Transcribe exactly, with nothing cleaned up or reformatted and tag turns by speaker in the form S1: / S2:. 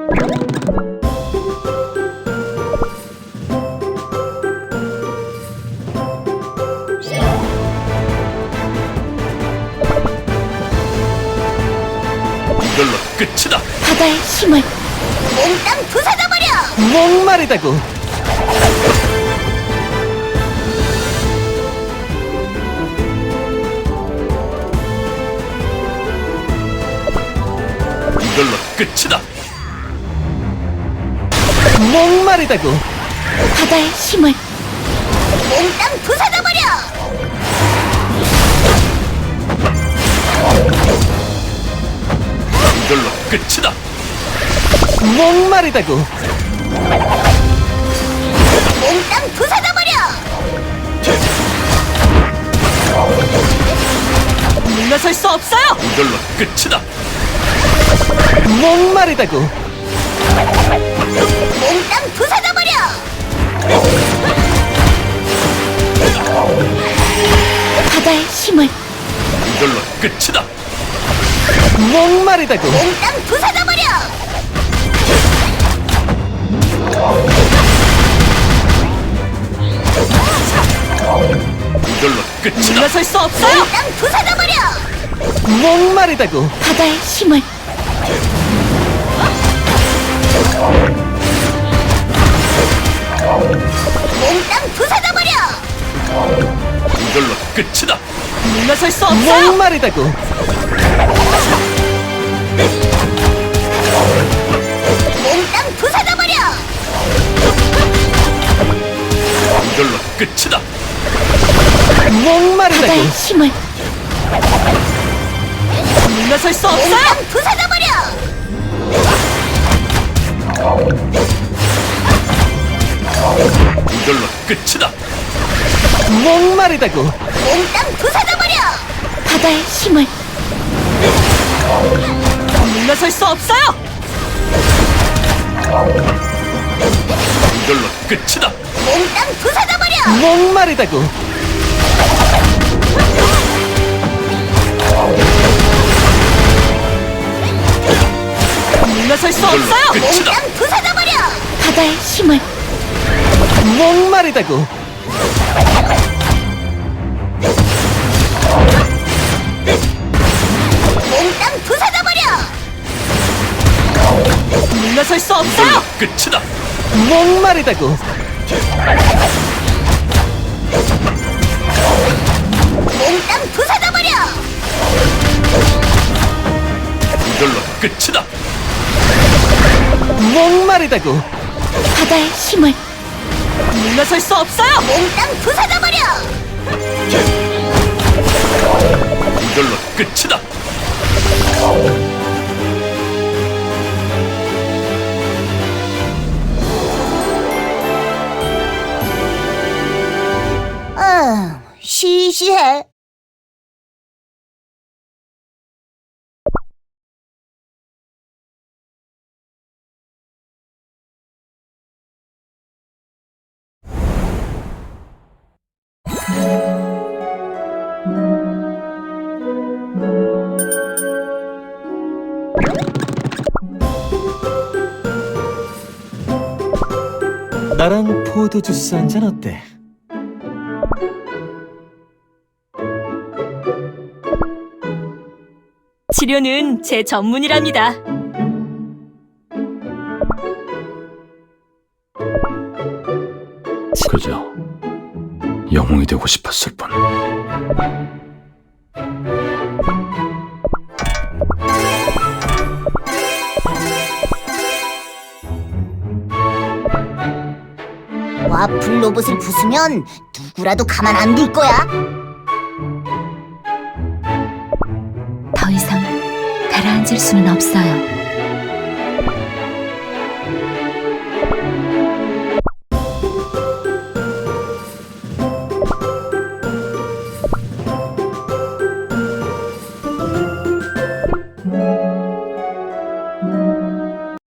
S1: 이걸로 끝이다.
S2: 바다의 힘을 몽땅 부숴버려!
S3: 목마르다고.
S1: 이걸로 끝이다.
S3: 목마르다고.
S2: 바다의 힘을 몽땅 부숴버려!
S1: 이걸로 끝이다.
S3: 목마르다고.
S2: 몽땅 부숴버려! 물러설 수 없어요!
S1: 이걸로 끝이다.
S3: 목마르다고.
S2: 몽땅 부숴버려! 바다의 힘을
S1: 이걸로 끝이다.
S3: 목마르다고.
S2: 몽땅 부숴버려!
S1: 이걸로 끝이다.
S2: 물러설 수 없어요! 몽땅 부숴버려!
S3: 목마르다고.
S2: 바다의 힘을 몽땅 부숴버려!
S1: 이걸로 끝이다.
S2: 물러설 수 없어요!
S3: 목마르다고.
S2: 몽땅 부숴버려!
S1: 이걸로 끝이다.
S3: 목마르다고.
S2: 바다의 힘을 물러설 수 없어요! 몽땅 부숴버려!
S1: 이걸로 끝이다.
S3: 목마르다고.
S2: 몽땅 부숴버려! 바다의 힘을 물러설 수 없어요!
S1: 이걸로 끝이다.
S2: 몽땅 부숴버려!
S3: 목마르다고.
S2: 물러설 수
S1: 이걸로
S2: 없어요!
S1: 끝이다.
S2: 몽땅 부숴버려! 바다의 힘을
S3: 목마르다고.
S2: 몽땅 부숴버려! 물러설 수 없어요!
S1: 이걸로 끝이다.
S3: 목마르다고.
S2: 몽땅 부숴버려!
S1: 이걸로 끝이다.
S3: 목마르다고.
S2: 바다의 힘을 물러설 수 없어요! 몽땅 부숴버려!
S1: 이걸로 끝이다.
S2: 아, 시시해.
S3: 나랑 포도 주스 한 잔 어때?
S2: 치료는 제 전문이랍니다.
S1: 그저 영웅이 되고 싶었을 뿐.
S2: 와플 로봇을 부수면 누구라도 가만 안 둘 거야.
S4: 더 이상 가라앉을 수는 없어요.